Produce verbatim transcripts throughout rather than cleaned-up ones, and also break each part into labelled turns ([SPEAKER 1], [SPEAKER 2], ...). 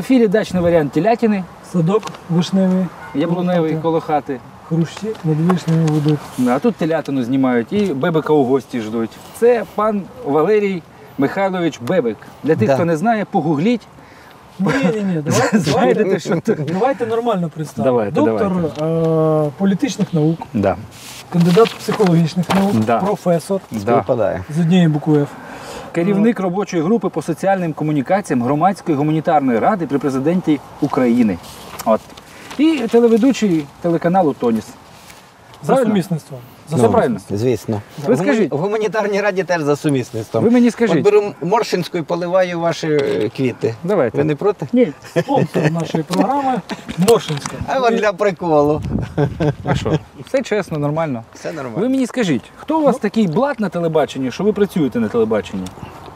[SPEAKER 1] ефірі дачний варіант телятини.
[SPEAKER 2] Садок вишневий.
[SPEAKER 1] Яблуневий коло хати.
[SPEAKER 2] Хрущі над вишнями ведуть.
[SPEAKER 1] А тут телятину знімають і Бебика у гості ждуть. Це пан Валерій Михайлович Бебик. Для тих,
[SPEAKER 3] Да.
[SPEAKER 1] хто не знає, погугліть.
[SPEAKER 2] Ні-ні-ні, давайте,
[SPEAKER 1] Знайдете, що це.
[SPEAKER 2] давайте нормально представимо.
[SPEAKER 1] Давайте,
[SPEAKER 2] Доктор е, політичних наук,
[SPEAKER 1] Да.
[SPEAKER 2] кандидат психологічних наук,
[SPEAKER 1] Да.
[SPEAKER 2] професор
[SPEAKER 1] Да.
[SPEAKER 3] Випадає.
[SPEAKER 2] з однієї букви Ф.
[SPEAKER 1] Керівник робочої групи по соціальним комунікаціям Громадської гуманітарної ради при президенті України. От. І телеведучий телеканалу «Тоніс».
[SPEAKER 2] За
[SPEAKER 1] Правильно?
[SPEAKER 2] сумісництвом. За
[SPEAKER 1] Все правильно?
[SPEAKER 3] Звісно.
[SPEAKER 1] Ви
[SPEAKER 3] В гумані-
[SPEAKER 1] скажіть.
[SPEAKER 3] В гуманітарній раді теж за сумісництвом.
[SPEAKER 1] Ви мені
[SPEAKER 3] От
[SPEAKER 1] скажіть.
[SPEAKER 3] беру Моршинську і поливаю ваші е, квіти.
[SPEAKER 1] Давайте.
[SPEAKER 3] Ви не проти?
[SPEAKER 1] Ні.
[SPEAKER 2] Спонсор нашої програми Моршинська.
[SPEAKER 3] А от для приколу.
[SPEAKER 1] А що? Все чесно, нормально.
[SPEAKER 3] Все
[SPEAKER 1] Ви
[SPEAKER 3] нормально.
[SPEAKER 1] мені скажіть, хто у вас такий блат на телебаченні, що ви працюєте на телебаченні?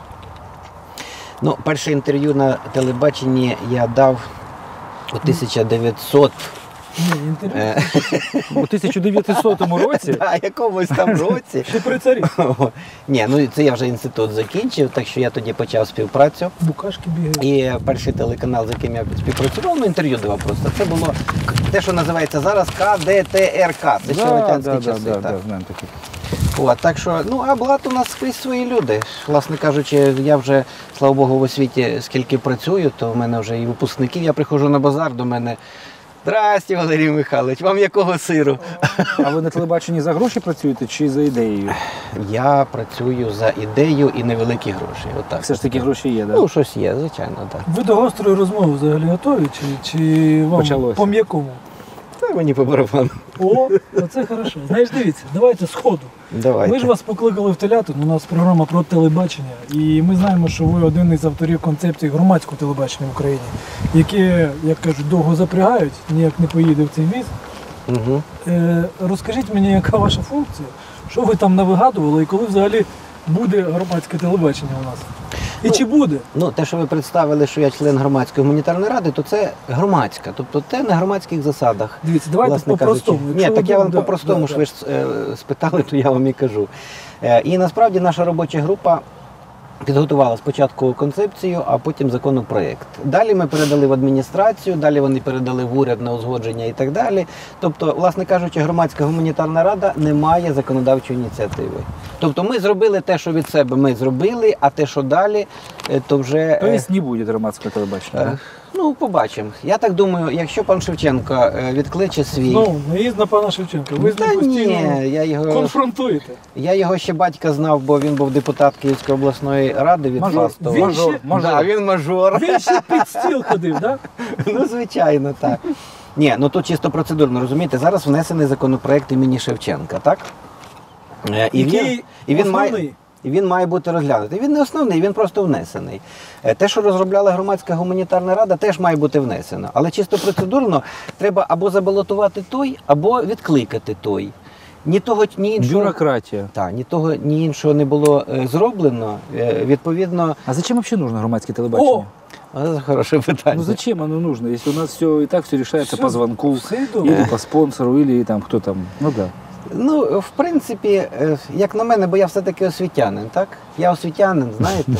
[SPEAKER 3] Ну, перше інтерв'ю на телебаченні я дав у тисяча дев'ятсот
[SPEAKER 2] Ні, інтерв'ю.
[SPEAKER 3] е,
[SPEAKER 1] У тисяча дев'ятсотому році?
[SPEAKER 3] да, якомусь там році.
[SPEAKER 2] Ще при царі.
[SPEAKER 3] Ні, ну це я вже інститут закінчив, так що я тоді почав співпрацю.
[SPEAKER 2] Букашки бігають.
[SPEAKER 3] І перший телеканал, з яким я співпрацював, ну інтерв'ю давав просто. Це було те, що називається зараз Ка Де Те Ер Ка. Це ще радянські часи.
[SPEAKER 1] да,
[SPEAKER 3] так.
[SPEAKER 1] да, знаємо такі.
[SPEAKER 3] От, так що, ну, а блат у нас скрізь свої люди. Власне кажучи, я вже, слава Богу, в освіті скільки працюю, то в мене вже і випускників. Я приходжу на базар до мене. Здрасте, Валерій Михайлович, вам якого сиру?
[SPEAKER 1] А ви на телебаченні за гроші працюєте чи за ідеєю?
[SPEAKER 3] Я працюю за ідею і невеликі гроші. Отак.
[SPEAKER 1] Все ж таки гроші є, так?
[SPEAKER 3] Ну, щось є, звичайно, так.
[SPEAKER 2] Ви до гострої розмови взагалі готові? Чи, чи вам
[SPEAKER 1] Почалося.
[SPEAKER 2] по м'якому?
[SPEAKER 3] Та мені по барабану.
[SPEAKER 2] О, оце хорошо. Знаєш, дивіться, давайте сходу.
[SPEAKER 3] Давайте.
[SPEAKER 2] Ми ж вас покликали в телятину, у нас програма про телебачення, і ми знаємо, що ви один із авторів концепції громадського телебачення в Україні, яке, як кажуть, довго запрягають, ніяк не поїде в цей віз.
[SPEAKER 3] Угу.
[SPEAKER 2] Е, розкажіть мені, яка ваша функція, що ви там навигадували і коли взагалі буде громадське телебачення у нас? І
[SPEAKER 3] Ну,
[SPEAKER 2] чи буде?
[SPEAKER 3] Ну, те, що ви представили, що я член громадської гуманітарної ради, то це громадська, тобто це на громадських засадах.
[SPEAKER 2] Дивіться, давайте
[SPEAKER 3] власне
[SPEAKER 2] по-простому.
[SPEAKER 3] кажучи.
[SPEAKER 2] Якщо
[SPEAKER 3] Ні,
[SPEAKER 2] ви
[SPEAKER 3] так я вам
[SPEAKER 2] думаєте-
[SPEAKER 3] по-простому,
[SPEAKER 2] да,
[SPEAKER 3] що
[SPEAKER 2] да.
[SPEAKER 3] ви ж е, спитали, то я вам і кажу. Е, і насправді наша робоча група підготувала спочатку концепцію, а потім законопроєкт. Далі ми передали в адміністрацію, далі вони передали в уряд на узгодження і так далі. Тобто, власне кажучи, громадська гуманітарна рада не має законодавчої ініціативи. Тобто ми зробили те, що від себе ми зробили, а те, що далі, е, то вже... е,
[SPEAKER 1] Тобто не буде громадського телебачення,
[SPEAKER 3] Е,
[SPEAKER 1] да?
[SPEAKER 3] Ну, побачимо. Я так думаю, якщо пан Шевченко е, відкличе свій...
[SPEAKER 2] Знову, наїзд на пана Шевченка. Ви з
[SPEAKER 3] Та
[SPEAKER 2] ним постійно
[SPEAKER 3] ні, я його,
[SPEAKER 2] конфронтуєте.
[SPEAKER 3] я його ще батька знав, бо він був депутат Київської обласної ради від
[SPEAKER 1] Мажор.
[SPEAKER 3] Фастова.
[SPEAKER 2] Він
[SPEAKER 1] Мажор,
[SPEAKER 2] ще-
[SPEAKER 1] мажор.
[SPEAKER 3] Да, він мажор.
[SPEAKER 2] Він ще під стіл ходив, так?
[SPEAKER 3] Ну, звичайно, так. Ні, ну тут чисто процедурно, розумієте, зараз внесений законопроект імені Шевченка, так? Е, І він,
[SPEAKER 2] Який
[SPEAKER 3] і він має...
[SPEAKER 2] основний?
[SPEAKER 3] І він має бути розглянутий. Він не основний, він просто внесений. Е, Те, що розробляла громадська гуманітарна рада, теж має бути внесено. Але чисто процедурно треба або забалотувати той, або відкликати той. Ні того, ні іншого,
[SPEAKER 1] Бюрократія.
[SPEAKER 3] та, ні того, ні іншого не було е, зроблено. Е, відповідно,
[SPEAKER 1] А зачем вообще нужно громадське телебачення?
[SPEAKER 2] О!
[SPEAKER 3] а це хороше питання.
[SPEAKER 1] Ну зачем оно нужно, если у нас все и так все решается
[SPEAKER 2] Всё,
[SPEAKER 1] по звонку,
[SPEAKER 2] все добре.
[SPEAKER 1] или по спонсору, или там кто там. Ну да.
[SPEAKER 3] Ну, в принципі, е, як на мене, бо я все-таки освітянин, так? Я освітянин, знаєте.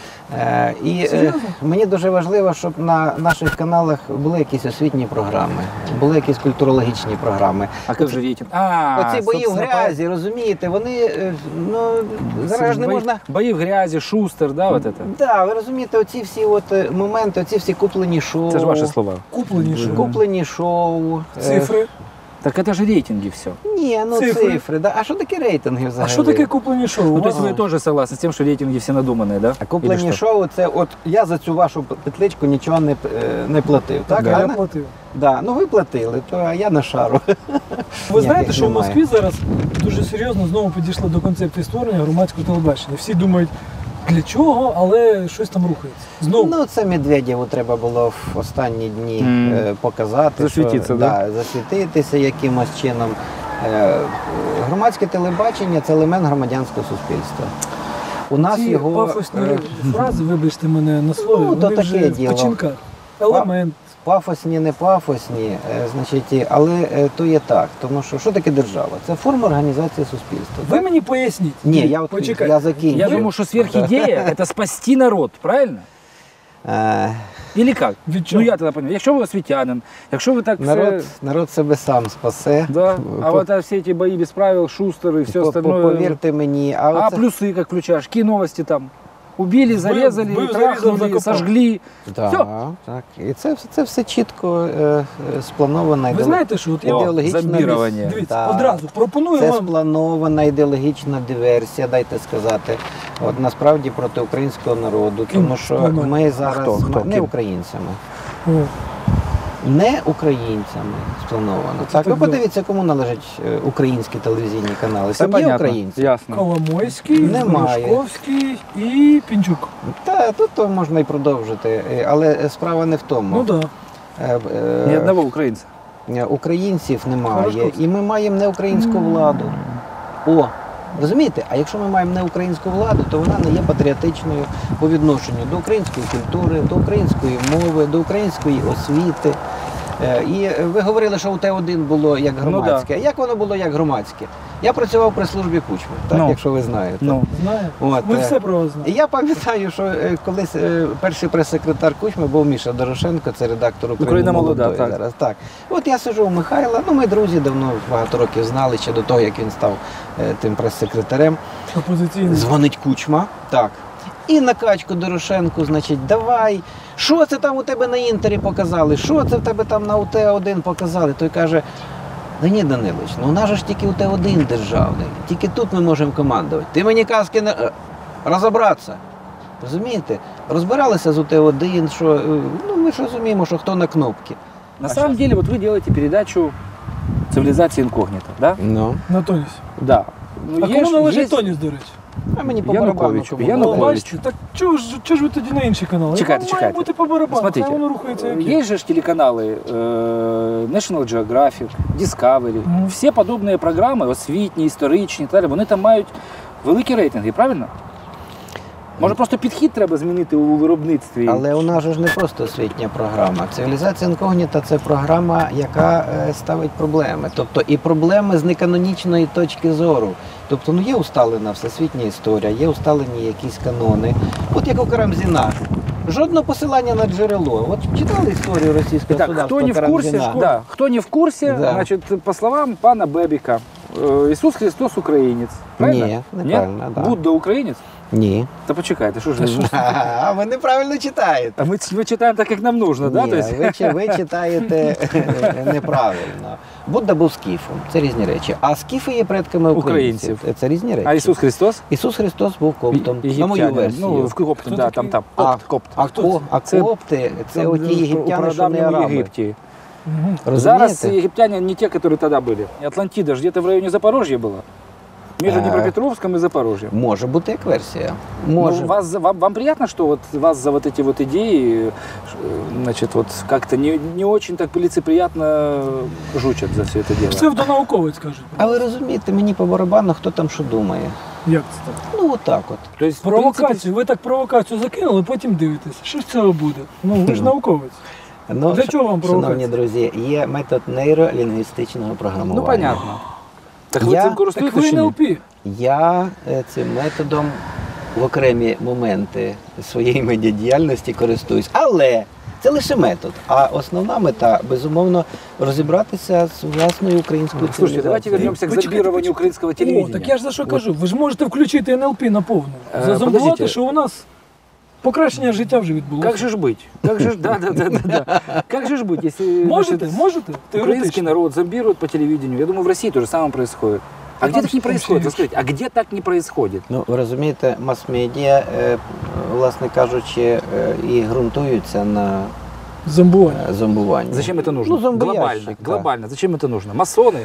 [SPEAKER 3] Е, І е,
[SPEAKER 2] Серйозно?
[SPEAKER 3] мені дуже важливо, щоб на наших каналах були якісь освітні програми, були якісь культурологічні програми.
[SPEAKER 1] А как же рейтинг? А,
[SPEAKER 3] Оці бої в
[SPEAKER 1] собственно,
[SPEAKER 3] грязі, розумієте, вони, е, ну, зараз ж не
[SPEAKER 1] бои-
[SPEAKER 3] можна...
[SPEAKER 1] Бои в грязи, Шустер, да, вот это?
[SPEAKER 3] Да, ви розумієте, оці всі от е, моменти, оці всі куплені шоу.
[SPEAKER 1] Это же ваши слова.
[SPEAKER 2] Куплені що?
[SPEAKER 3] Куплені шоу. е,
[SPEAKER 2] Цифри.
[SPEAKER 1] Так это же рейтинги все.
[SPEAKER 3] Ні, ну
[SPEAKER 2] Цифри.
[SPEAKER 3] цифри. Да. А що таке рейтинги взагалі?
[SPEAKER 2] А що таке куплені шоу?
[SPEAKER 1] Ну,
[SPEAKER 2] У
[SPEAKER 1] то есть
[SPEAKER 2] вас-
[SPEAKER 1] вы тоже согласны с тем, что рейтинги все надуманные, да?
[SPEAKER 3] А куплені
[SPEAKER 1] Или что?
[SPEAKER 3] шоу, це от я за цю вашу петличку нічого не, е, не платив. Так,
[SPEAKER 2] Да,
[SPEAKER 3] А
[SPEAKER 2] я
[SPEAKER 3] на-
[SPEAKER 2] платив.
[SPEAKER 3] Да, ну ви платили, то а я на шару.
[SPEAKER 2] Ви знаєте,
[SPEAKER 3] Ніяких
[SPEAKER 2] що в
[SPEAKER 3] немає.
[SPEAKER 2] Москві зараз дуже серйозно знову підійшли до концепції створення громадського телебачення. Всі думають, для чого, але щось там рухається. Знову.
[SPEAKER 3] Ну, це Медведєву треба було в останні дні
[SPEAKER 1] Мгм.
[SPEAKER 3] е, показати.
[SPEAKER 1] Засвітитися,
[SPEAKER 3] що,
[SPEAKER 1] да?
[SPEAKER 3] засвітитися якимось чином. Е, громадське телебачення – це елемент громадянського суспільства. У нас
[SPEAKER 2] Ці
[SPEAKER 3] його...
[SPEAKER 2] пафосні
[SPEAKER 3] е,
[SPEAKER 2] фрази, вибачте мене на слові,
[SPEAKER 3] Ну, то
[SPEAKER 2] вони вже
[SPEAKER 3] таке
[SPEAKER 2] в
[SPEAKER 3] діло.
[SPEAKER 2] печінках. Елемент.
[SPEAKER 3] Пафосні, не пафосні, е, значить, і- але е, то є так. Тому що що таке держава? Це форма організації суспільства.
[SPEAKER 2] Ви
[SPEAKER 3] так?
[SPEAKER 2] мені поясніть.
[SPEAKER 3] Ні, я, от,
[SPEAKER 2] Почекайте.
[SPEAKER 3] я закінчу.
[SPEAKER 1] Я думаю, что сверхидея – это спасти народ, правильно?
[SPEAKER 3] Е,
[SPEAKER 1] Или як?
[SPEAKER 2] Від чого?
[SPEAKER 1] Ну я тоді розумію. Якщо ви освітянин, якщо ви так
[SPEAKER 3] Народ,
[SPEAKER 1] все...
[SPEAKER 3] народ себе сам спасе.
[SPEAKER 1] Да. А
[SPEAKER 3] По-
[SPEAKER 1] вот а все эти бои без правил, Шустер и все
[SPEAKER 3] по- по-
[SPEAKER 1] остальное.
[SPEAKER 3] Повірте мені, а,
[SPEAKER 1] А
[SPEAKER 3] оце...
[SPEAKER 1] плюсы как включаешь? Какие новости там? Убили, зарезали,
[SPEAKER 2] Вбив, зарізав,
[SPEAKER 1] трахнули,
[SPEAKER 2] закопав.
[SPEAKER 1] сожгли.
[SPEAKER 3] Так,
[SPEAKER 1] Всьо.
[SPEAKER 3] так. І це, це все чітко е, е, спланована
[SPEAKER 2] Ви знаєте, що от я
[SPEAKER 1] О,
[SPEAKER 3] ідеологічна
[SPEAKER 1] зомбірування.
[SPEAKER 3] дис-
[SPEAKER 2] дивіться,
[SPEAKER 3] Так.
[SPEAKER 2] одразу пропоную
[SPEAKER 3] Це
[SPEAKER 2] вам.
[SPEAKER 3] спланована ідеологічна диверсія, дайте сказати. От насправді проти українського народу,
[SPEAKER 2] Ким
[SPEAKER 3] тому що
[SPEAKER 2] спланована?
[SPEAKER 3] ми зараз
[SPEAKER 1] Хто? Хто?
[SPEAKER 3] не
[SPEAKER 1] Ким?
[SPEAKER 3] українцями.
[SPEAKER 2] О,
[SPEAKER 3] Не українцями сплановано.
[SPEAKER 2] Це
[SPEAKER 3] Так, ви
[SPEAKER 2] так
[SPEAKER 3] подивіться, кому належать е, українські телевізійні канали.
[SPEAKER 1] Все
[SPEAKER 3] Там є
[SPEAKER 1] понятно.
[SPEAKER 3] українці.
[SPEAKER 1] Ясно.
[SPEAKER 2] Коломойський,
[SPEAKER 3] Немає.
[SPEAKER 2] Грушковський і Пінчук.
[SPEAKER 3] Та тут то можна і продовжити. Е, Але справа не в тому.
[SPEAKER 2] Ну так. Да.
[SPEAKER 3] Е, е,
[SPEAKER 1] Ни одного украинца.
[SPEAKER 3] Е, Українців немає,
[SPEAKER 2] Хорошковський.
[SPEAKER 3] і ми маємо не українську владу. О, розумієте? А якщо ми маємо не українську владу, то вона не є патріотичною по відношенню до української культури, до української мови, до української освіти. Е, І ви говорили, що у Т один було як
[SPEAKER 1] Ну,
[SPEAKER 3] громадське. А як воно було як громадське? Я працював при службі Кучми, так,
[SPEAKER 1] Ну.
[SPEAKER 3] якщо ви знаєте.
[SPEAKER 1] Ну,
[SPEAKER 2] Знаю.
[SPEAKER 3] От,
[SPEAKER 2] Ми
[SPEAKER 3] е,
[SPEAKER 2] все про вас
[SPEAKER 3] І
[SPEAKER 2] знаємо.
[SPEAKER 3] я пам'ятаю, що е, колись е, перший прес-секретар Кучми був Міша Дорошенко, це редактор
[SPEAKER 1] Україна
[SPEAKER 3] «Україна
[SPEAKER 1] молода»,
[SPEAKER 3] молодої
[SPEAKER 1] так.
[SPEAKER 3] зараз. Так. От я сижу у Михайла, ну ми друзі давно багато років знали, ще до того, як він став е, тим прес-секретарем.
[SPEAKER 2] Опозиційний.
[SPEAKER 3] Дзвонить Кучма, так. І на качку Дорошенку, значить, давай, що це там у тебе на інтері показали, що це в тебе там на У Т один показали. Той каже, Леонід Данилович, ну у нас же ж тільки У Т один державний, тільки тут ми можемо командувати. Ти мені казки не... е, розібратися. Розумієте? Розбиралися з У Т один, що, е, ну ми ж розуміємо, що хто на кнопки.
[SPEAKER 1] на самом деле, вот вы делаете передачу «Цивилизация инкогнито», да?
[SPEAKER 3] Ну,
[SPEAKER 2] На тоніс.
[SPEAKER 1] Да. Ну,
[SPEAKER 2] А
[SPEAKER 1] есть-
[SPEAKER 2] кому належить
[SPEAKER 1] есть-
[SPEAKER 2] тоніс, до речі?
[SPEAKER 3] а мені по
[SPEAKER 1] Януковичу.
[SPEAKER 3] барабану. кому
[SPEAKER 1] Януковичу.
[SPEAKER 2] Ну,
[SPEAKER 3] належить.
[SPEAKER 2] бачите, так чого ж, чого ж ви тоді на інші канали?
[SPEAKER 1] Чекайте,
[SPEAKER 2] Вам
[SPEAKER 1] чекайте.
[SPEAKER 2] має бути по барабану,
[SPEAKER 1] Смотрите,
[SPEAKER 2] хай воно рухається як є.
[SPEAKER 1] есть же ж телеканалы э, National Geographic, Discovery,
[SPEAKER 2] Мгм.
[SPEAKER 1] все подобные програми, освітні, історичні, і так далі, вони там мають великі рейтинги, правильно? Може просто підхід треба змінити у виробництві?
[SPEAKER 3] Але у нас же ж не просто освітня програма. Цивілізація інкогніта це програма, яка е, ставить проблеми. Тобто і проблеми з неканонічної точки зору. Тобто, ну є усталена всесвітня історія, є усталені якісь канони. От як у Карамзіна. Жодного посилання на джерело. От читали історію російського
[SPEAKER 1] Итак,
[SPEAKER 3] судавства
[SPEAKER 1] кто не в курсе,
[SPEAKER 3] Карамзіна?
[SPEAKER 1] да, кто не в курсе,
[SPEAKER 3] Да.
[SPEAKER 1] значит, по словам пана Бебика, э, Иисус Христос украинец. Правильно?
[SPEAKER 3] Ні, неправильно, да.
[SPEAKER 1] Будда украинец?
[SPEAKER 3] Ні.
[SPEAKER 1] Да почекайте, что же вы?
[SPEAKER 3] А ви неправильно читаєте.
[SPEAKER 1] А мы, мы читаем так, как нам нужно, да?
[SPEAKER 3] Ні,
[SPEAKER 1] То есть...
[SPEAKER 3] ви, чи- ви читаєте неправильно. Будда був скіфом, це різні речі. А скіфи є предками українців.
[SPEAKER 1] Українців.
[SPEAKER 3] Це різні речі.
[SPEAKER 1] А Иисус Христос?
[SPEAKER 3] Ісус Христос був коптом,
[SPEAKER 1] Е-
[SPEAKER 3] на мою
[SPEAKER 1] єгиптянин.
[SPEAKER 3] версію.
[SPEAKER 1] Ну, в копт,
[SPEAKER 2] Хто
[SPEAKER 1] да,
[SPEAKER 2] такий?
[SPEAKER 1] там, там,
[SPEAKER 3] а,
[SPEAKER 1] копт, копт.
[SPEAKER 3] а, ко, а
[SPEAKER 1] Це-
[SPEAKER 3] копти це
[SPEAKER 1] Там,
[SPEAKER 3] оті
[SPEAKER 1] у
[SPEAKER 3] єгиптяни, що не
[SPEAKER 1] прадавньому
[SPEAKER 3] араби.
[SPEAKER 1] Єгипті.
[SPEAKER 2] Мгм.
[SPEAKER 1] Зараз
[SPEAKER 3] Розумієте?
[SPEAKER 1] египтяне не те, которые тогда были. Атлантида же где-то в районе Запорожья была. Между
[SPEAKER 3] А.
[SPEAKER 1] Днепропетровском и Запорожьем.
[SPEAKER 3] Може бути як версія. Може.
[SPEAKER 1] Ну, вас, за- вам, вам приятно, что вот вас за вот эти вот идеи, ш- значит, вот как-то не, не очень так лицеприятно жучат за все это дело?
[SPEAKER 2] Псевдонауковець, кажуть.
[SPEAKER 3] А ви розумієте, мені по барабану, хто там що думає.
[SPEAKER 2] Як це так?
[SPEAKER 3] Ну, отак от.
[SPEAKER 1] То есть, в принципе,
[SPEAKER 2] Провокацію, ви так провокацію закинули, потім дивитесь. Що з цього буде? Ну, ви ж науковець.
[SPEAKER 3] Ну,
[SPEAKER 2] Для
[SPEAKER 3] ш-
[SPEAKER 2] чого вам
[SPEAKER 3] шановні
[SPEAKER 2] провокація?
[SPEAKER 3] друзі, є метод нейролінгвістичного програмування.
[SPEAKER 1] ну понятно. Так
[SPEAKER 3] Я-
[SPEAKER 1] ви цим
[SPEAKER 2] Так
[SPEAKER 1] користуєтесь
[SPEAKER 2] ви
[SPEAKER 1] чи
[SPEAKER 2] не
[SPEAKER 1] ні?
[SPEAKER 2] Ел Пі.
[SPEAKER 3] Я е, цим методом в окремі моменти своєї медіадіяльності користуюсь. Але це лише метод. А основна мета, безумовно, розібратися з власною українською
[SPEAKER 1] Слушайте, давайте
[SPEAKER 3] цивілізацією.
[SPEAKER 1] вернемся к
[SPEAKER 2] Почекайте,
[SPEAKER 1] зомбированию
[SPEAKER 2] почекайте.
[SPEAKER 1] украинского
[SPEAKER 2] О,
[SPEAKER 1] телевидения.
[SPEAKER 2] так я ж за що кажу. Ви ж можете включити Ен Ел Пі на повну.
[SPEAKER 1] Е,
[SPEAKER 2] Зазомбувати,
[SPEAKER 1] подождіть.
[SPEAKER 2] що у нас покращення життя вже відбулося.
[SPEAKER 1] Как же ж быть? Как же ж, да, да, да, да, да. Как же ж быть, если
[SPEAKER 2] Можете,
[SPEAKER 1] значит,
[SPEAKER 2] можете?
[SPEAKER 1] украинский
[SPEAKER 2] Теоретично.
[SPEAKER 1] народ зомбируют по телевидению? Я думаю, в России то же самое происходит. А
[SPEAKER 2] Там
[SPEAKER 1] где так не
[SPEAKER 2] что, там
[SPEAKER 1] происходит?
[SPEAKER 2] все
[SPEAKER 1] Вы скажите, а где так не происходит?
[SPEAKER 3] Ну, ви розумієте, мас-медіа, е, власне кажучи, е, і ґрунтуються на
[SPEAKER 2] Зомбування.
[SPEAKER 3] е, зомбуванні.
[SPEAKER 1] Зачем это нужно?
[SPEAKER 3] Ну, зомбоящик,
[SPEAKER 1] глобально,
[SPEAKER 3] да.
[SPEAKER 1] глобально. Зачем это нужно? Масоны,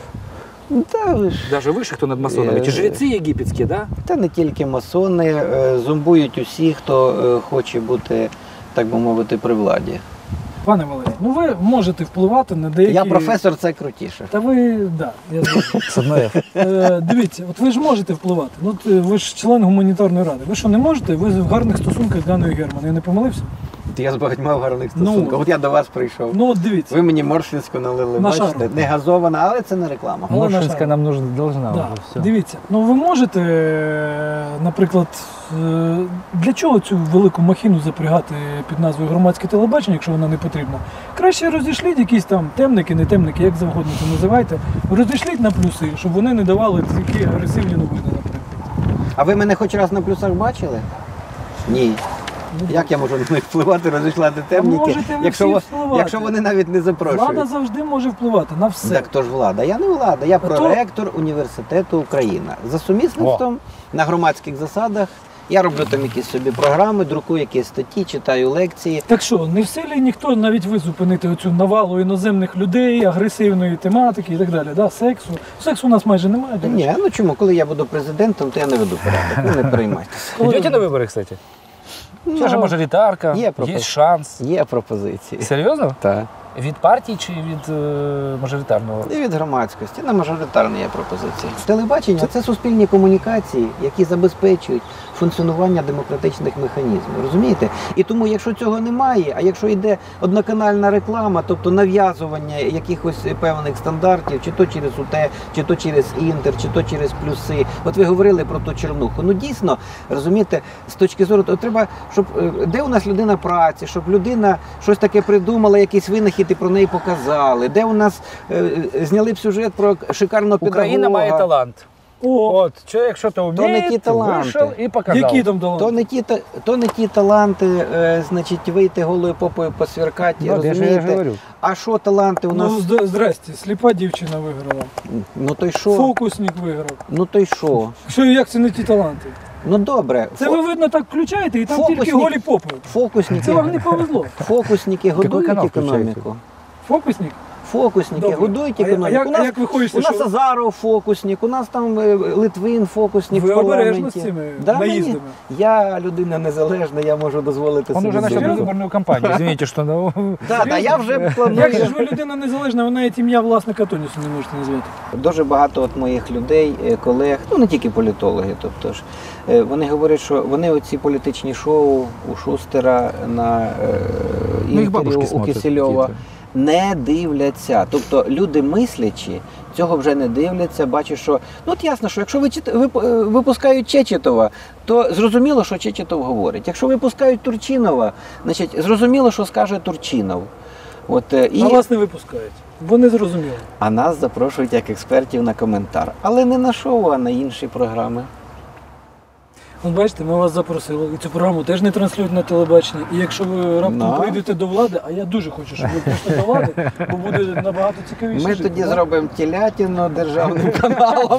[SPEAKER 3] Та, ви ж,
[SPEAKER 1] даже выше, кто над масонами, эти
[SPEAKER 3] Э,
[SPEAKER 1] жрецы египетские, да?
[SPEAKER 3] та не тільки масони, е, зомбують усі, хто е, хоче бути, так би мовити, при владі.
[SPEAKER 2] Пане Валерій, ну ви можете впливати на деякі...
[SPEAKER 3] Я професор, це крутіше.
[SPEAKER 2] Та ви, да, я знаю. Е, Дивіться, от ви ж можете впливати. Ну, от, е, ви ж член гуманітарної ради. Ви що, не можете? Ви в гарних стосунках з Ганною Герман. Я не помилився?
[SPEAKER 3] Я з багатьма в гарних
[SPEAKER 2] Ну,
[SPEAKER 3] стосунках. От я до вас прийшов.
[SPEAKER 2] Ну от дивіться.
[SPEAKER 3] Ви мені Моршинську налили,
[SPEAKER 2] На
[SPEAKER 3] бачите?
[SPEAKER 2] шару.
[SPEAKER 3] Не газована, але це не реклама.
[SPEAKER 2] Але на
[SPEAKER 1] Моршинська
[SPEAKER 2] жаль.
[SPEAKER 1] нам нужна, должна
[SPEAKER 2] Да.
[SPEAKER 1] вже все.
[SPEAKER 2] Дивіться, ну ви можете, е, наприклад, е, для чого цю велику махіну запрягати під назвою громадське телебачення, якщо вона не потрібна? Краще розійшліть якісь там темники, не темники, як завгодно це називайте. Розійшліть на плюси, щоб вони не давали такі агресивні новини, наприклад.
[SPEAKER 3] А ви мене хоч раз на плюсах бачили? Ні. Як я можу на них впливати, розійшлати темніки,
[SPEAKER 2] можете ви
[SPEAKER 3] якщо,
[SPEAKER 2] всі
[SPEAKER 3] во-
[SPEAKER 2] впливати.
[SPEAKER 3] якщо вони навіть не запрошують?
[SPEAKER 2] Влада завжди може впливати на все.
[SPEAKER 3] Так то ж влада. Я не влада, я
[SPEAKER 2] А то-
[SPEAKER 3] проректор університету Україна. За сумісництвом на громадських засадах. Я роблю там якісь собі програми, друкую якісь статті, читаю лекції.
[SPEAKER 2] Так що, не в силі ніхто, навіть ви зупинити оцю навалу іноземних людей, агресивної тематики і так далі, да? Сексу. Сексу у нас майже немає. до речі.
[SPEAKER 3] Ні, ну чому? Коли я буду президентом, то я не веду порядок. Ну не переймайтеся.
[SPEAKER 2] Коли-
[SPEAKER 1] Идете на выборы, кстати? Сейчас же
[SPEAKER 3] Ну,
[SPEAKER 1] мажоритарка,
[SPEAKER 3] є пропозиція.
[SPEAKER 1] есть шанс.
[SPEAKER 3] Є пропозиції.
[SPEAKER 1] Серйозно?
[SPEAKER 3] Так.
[SPEAKER 1] Від партії чи від е, мажоритарного?
[SPEAKER 3] І від громадськості на мажоритарні є пропозиції. Телебачення це суспільні комунікації, які забезпечують функціонування демократичних механізмів. Розумієте? І тому, якщо цього немає, а якщо йде одноканальна реклама, тобто нав'язування якихось певних стандартів, чи то через УТ, чи то через Інтер, чи то через плюси. От ви говорили про ту чернуху. Ну дійсно, розумієте, з точки зору, то треба, щоб е, де у нас людина праці, щоб людина щось таке придумала, якийсь винахід і про неї показали. Де у нас е, е, зняли б сюжет про шикарного педагога.
[SPEAKER 1] Україна має талант.
[SPEAKER 2] О,
[SPEAKER 1] От, чоловік щось
[SPEAKER 3] не
[SPEAKER 1] вміє,
[SPEAKER 3] ті таланти.
[SPEAKER 1] вийшов і показав.
[SPEAKER 2] які там таланти?
[SPEAKER 3] То не ті, та- то не ті таланти, е, значить, вийти голою попою посвіркати,
[SPEAKER 1] Ну, я ж- я ж
[SPEAKER 3] розумієте?
[SPEAKER 1] говорю.
[SPEAKER 3] А що таланти у нас?
[SPEAKER 2] Ну, зд- здрасте, сліпа дівчина виграла.
[SPEAKER 3] Ну то й що?
[SPEAKER 2] Фокусник виграв.
[SPEAKER 3] Ну то й що?
[SPEAKER 2] Що, як це не ті таланти?
[SPEAKER 3] Ну добре.
[SPEAKER 2] Це
[SPEAKER 3] Фо-
[SPEAKER 2] ви, видно, так включаєте і там
[SPEAKER 3] Фокусник.
[SPEAKER 2] тільки голі попи.
[SPEAKER 3] Фокусники,
[SPEAKER 2] Це вам не повезло.
[SPEAKER 3] фокусники годують
[SPEAKER 1] канал
[SPEAKER 3] економіку.
[SPEAKER 2] Фокусник?
[SPEAKER 3] Фокусники
[SPEAKER 2] Добре.
[SPEAKER 3] годують
[SPEAKER 2] А я-
[SPEAKER 3] економіку.
[SPEAKER 2] а як-
[SPEAKER 3] у нас,
[SPEAKER 2] а як ви хочете,
[SPEAKER 3] у нас
[SPEAKER 2] що-
[SPEAKER 3] Азаров фокусник, у нас там е, Литвин фокусник
[SPEAKER 2] Ви
[SPEAKER 3] в парламенті.
[SPEAKER 2] обережно з цими
[SPEAKER 3] Да, мені-
[SPEAKER 2] наїздами.
[SPEAKER 3] Я людина незалежна, я можу дозволити
[SPEAKER 1] Он
[SPEAKER 3] собі
[SPEAKER 1] уже начал
[SPEAKER 3] думати.
[SPEAKER 1] предвыборную кампанию. Извините, что... ну,
[SPEAKER 3] Да, да, я вже
[SPEAKER 2] Як же
[SPEAKER 3] планую.
[SPEAKER 2] ж ви людина незалежна, ви навіть ім'я власника тонісу не можете назвати.
[SPEAKER 3] Дуже багато от моїх людей, е, колег, ну не тільки політологи, тобто ж, е, вони говорять, що вони оці політичні шоу у Шустера на е,
[SPEAKER 1] Ну, их
[SPEAKER 3] інтерв'ю
[SPEAKER 1] бабушки
[SPEAKER 3] у
[SPEAKER 1] смотрят
[SPEAKER 3] Кисельова
[SPEAKER 1] какие-то.
[SPEAKER 3] не дивляться. Тобто люди мислячі цього вже не дивляться, бачать, що ну от ясно, що якщо ви чит- вип- е, випускають Чечетова, то зрозуміло, що Чечетов говорить. Якщо випускають Турчинова, значить зрозуміло, що скаже Турчинов. От, е, і...
[SPEAKER 2] А вас не випускають. Бо не зрозуміло.
[SPEAKER 3] А нас запрошують як експертів на коментар. Але не на шоу, а на інші програми.
[SPEAKER 2] От бачите, ми вас запросили, і цю програму теж не транслюють на телебаченні. І якщо ви раптом
[SPEAKER 3] Да.
[SPEAKER 2] прийдете до влади, а я дуже хочу, щоб ви прийшли до влади, бо буде набагато цікавіше.
[SPEAKER 3] Ми
[SPEAKER 2] жити,
[SPEAKER 3] тоді
[SPEAKER 2] да?
[SPEAKER 3] зробимо телятину державним каналом.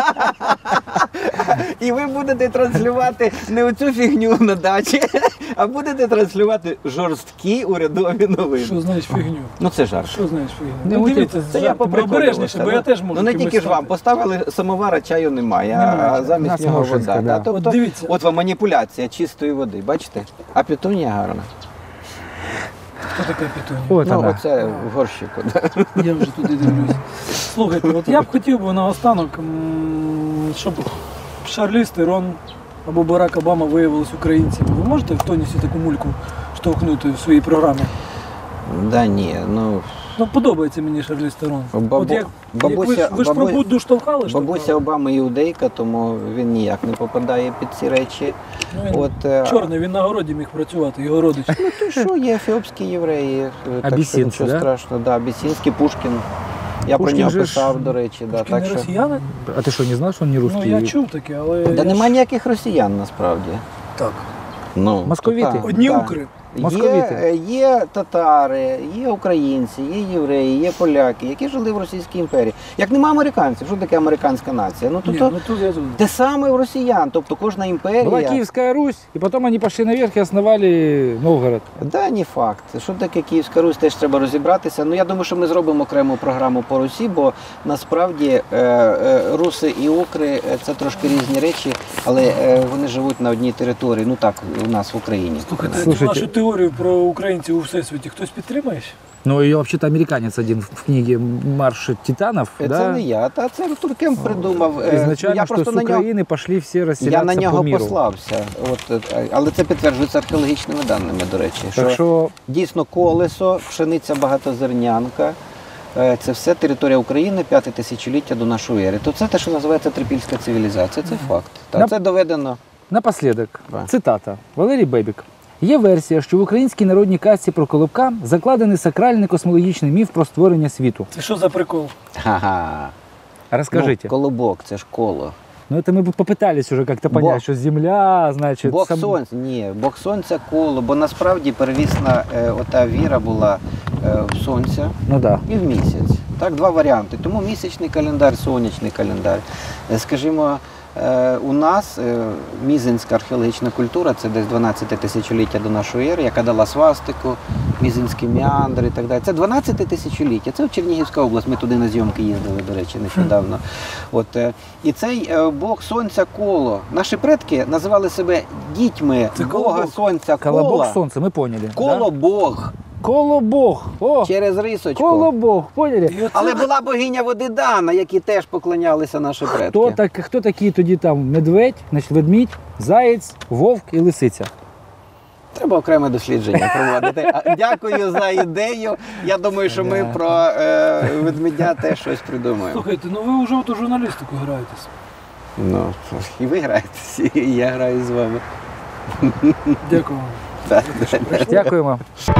[SPEAKER 3] І ви будете транслювати не оцю фігню на дачі, а будете транслювати жорсткі урядові новини.
[SPEAKER 2] Що знаєш фігню?
[SPEAKER 3] Ну це жарт.
[SPEAKER 2] Що знаєш фігню?
[SPEAKER 1] Не
[SPEAKER 2] Ну,
[SPEAKER 1] будь-
[SPEAKER 2] дивіться,
[SPEAKER 3] Це я
[SPEAKER 2] жартами
[SPEAKER 3] поприколювався,
[SPEAKER 2] обережніше, бо
[SPEAKER 3] ну.
[SPEAKER 2] я теж можу.
[SPEAKER 3] Ну не
[SPEAKER 2] кимось
[SPEAKER 3] тільки ж вам,
[SPEAKER 2] стати.
[SPEAKER 3] поставили самовара, чаю немає, а-
[SPEAKER 2] Немає.
[SPEAKER 3] а замість
[SPEAKER 1] Нас
[SPEAKER 3] нього
[SPEAKER 1] Моршинська,
[SPEAKER 3] вода.
[SPEAKER 1] да.
[SPEAKER 3] Да, Тобто,
[SPEAKER 2] От дивіться.
[SPEAKER 3] от вам маніпуляція чистої води, бачите? А петунія гарна.
[SPEAKER 2] Хто така пітуня?
[SPEAKER 1] Вот
[SPEAKER 3] Ну
[SPEAKER 1] она.
[SPEAKER 3] оце в горщику. да.
[SPEAKER 2] Я вже туди дивлюсь. Слухайте, от я б хотів би наостанок, м, щоб Шарліз Терон або Барак Обама виявилися українцями. Ви можете в тонісі таку мульку штовхнути в своїй програмі?
[SPEAKER 3] Да ні, ну
[SPEAKER 2] Ну, подобається мені Шарліз Терон.
[SPEAKER 3] Бабу-
[SPEAKER 2] От як,
[SPEAKER 3] бабуся-
[SPEAKER 2] як ви, ж- ви ж про
[SPEAKER 3] бабу-
[SPEAKER 2] Будду штовхали?
[SPEAKER 3] бабуся
[SPEAKER 2] штовхали?
[SPEAKER 3] Обами іудейка, тому він ніяк не попадає під ці речі.
[SPEAKER 2] Ну, він
[SPEAKER 3] От, е,
[SPEAKER 2] чорний, він на городі міг працювати, його родич.
[SPEAKER 3] Ну то що, є ефіопські євреї, е, так що
[SPEAKER 1] Абісінці,
[SPEAKER 3] нічого
[SPEAKER 1] да?
[SPEAKER 3] страшного. Да, Абісінський, Пушкін. Я
[SPEAKER 1] Пушкін
[SPEAKER 3] про нього
[SPEAKER 1] же ж-
[SPEAKER 3] писав, до речі. Да,
[SPEAKER 2] Пушкін
[SPEAKER 3] так
[SPEAKER 2] не
[SPEAKER 3] що...
[SPEAKER 2] росіяни?
[SPEAKER 1] А ты что, не знал, что он не русский?
[SPEAKER 2] Ну, я чув таке, але...
[SPEAKER 3] Та
[SPEAKER 2] я
[SPEAKER 3] нема
[SPEAKER 2] ж-
[SPEAKER 3] ніяких росіян насправді.
[SPEAKER 2] Так.
[SPEAKER 3] Ну,
[SPEAKER 1] Московіти.
[SPEAKER 3] то так,
[SPEAKER 2] Одні
[SPEAKER 3] так.
[SPEAKER 2] укри.
[SPEAKER 3] Є,
[SPEAKER 1] Московіти.
[SPEAKER 3] е, є татари, є українці, є євреї, є поляки, які жили в Російській імперії. Як нема американців, що таке американська нація? Ну, то,
[SPEAKER 2] Ні,
[SPEAKER 3] то,
[SPEAKER 2] ну тут я згоден.
[SPEAKER 3] те саме в росіян, тобто кожна імперія.
[SPEAKER 1] Была Киевская Русь, и потом они пошли наверх и основали Новгород.
[SPEAKER 3] Да, не факт. Що таке Київська Русь, теж треба розібратися. Ну я думаю, що ми зробимо окрему програму по Русі, бо насправді е, е, руси і укри е, це трошки різні речі, але е, вони живуть на одній території. Ну так, у нас в Україні.
[SPEAKER 2] Слухайте,
[SPEAKER 1] Слушайте.
[SPEAKER 2] вашу теорію про українців у всесвіті хтось підтримає? ще?
[SPEAKER 1] Ну, ее вообще-то американец один в книге «Марш титанов».
[SPEAKER 3] Це
[SPEAKER 1] да?
[SPEAKER 3] не я, та це Артур Кемп придумав. Е,
[SPEAKER 1] Изначально,
[SPEAKER 3] я
[SPEAKER 1] что
[SPEAKER 3] просто
[SPEAKER 1] с
[SPEAKER 3] на нього,
[SPEAKER 1] Украины пошли все
[SPEAKER 3] я
[SPEAKER 1] расселяться
[SPEAKER 3] на нього
[SPEAKER 1] по миру.
[SPEAKER 3] послався. От, е, але це підтверджується археологічними даними, до речі.
[SPEAKER 1] Так що
[SPEAKER 3] Дійсно, колесо, пшениця багатозернянка. е, Це все територія України, п'яте тисячоліття до нашої ери. То це те, що називається трипільська цивілізація. Це факт. Та
[SPEAKER 1] На-
[SPEAKER 3] це доведено.
[SPEAKER 1] напоследок,
[SPEAKER 3] Да.
[SPEAKER 1] цитата. Валерій Бебік. Є версія, що в українській народній казці про Колобка закладений сакральний космологічний міф про створення світу.
[SPEAKER 2] Це що за прикол?
[SPEAKER 3] Ха-ха.
[SPEAKER 1] Розкажіть.
[SPEAKER 3] Ну, колобок, це ж коло.
[SPEAKER 1] Ну, это мы бы попытались уже как-то
[SPEAKER 3] Бог.
[SPEAKER 1] понять, что Земля, значит...
[SPEAKER 3] Бог
[SPEAKER 1] сам-
[SPEAKER 3] сонця, ні, Бог сонця коло, бо насправді первісна е, ота віра була е, в сонця
[SPEAKER 1] Ну да.
[SPEAKER 3] і в місяць. Так, два варіанти. Тому місячний календар, сонячний календар. Е, Скажімо, е, у нас е, мізинська археологічна культура, це десь дванадцяте тисячоліття до нашої ери, яка дала свастику, мізинські меандри і так далі. Це дванадцяте тисячоліття, це в Чернігівська область, ми туди на зйомки їздили, до речі, нещодавно. От, е, і цей е, Бог сонця коло. Наші предки називали себе дітьми
[SPEAKER 2] Це
[SPEAKER 3] Бога
[SPEAKER 2] колобок.
[SPEAKER 3] сонця
[SPEAKER 1] Колобок
[SPEAKER 3] кола.
[SPEAKER 1] солнца, мы поняли.
[SPEAKER 3] Коло Бог
[SPEAKER 1] Да? Колобог. О,
[SPEAKER 3] через рисочку.
[SPEAKER 1] Колобог, поняли?
[SPEAKER 2] І оце-
[SPEAKER 3] Але була богиня води Дана, якій теж поклонялися наші предки.
[SPEAKER 1] Хто, так, хто такі тоді там медведь, значить ведмідь, заєць, вовк і лисиця?
[SPEAKER 3] Треба окреме дослідження проводити. А, Дякую за ідею. Я думаю, що ми
[SPEAKER 1] Да.
[SPEAKER 3] про е, ведмедя теж щось придумаємо.
[SPEAKER 2] Слухайте, ну ви вже от у журналістику граєтесь.
[SPEAKER 3] Ну, і ви граєтесь, і я граю з вами.
[SPEAKER 2] Дякую вам.
[SPEAKER 3] Так.
[SPEAKER 1] Дякуємо.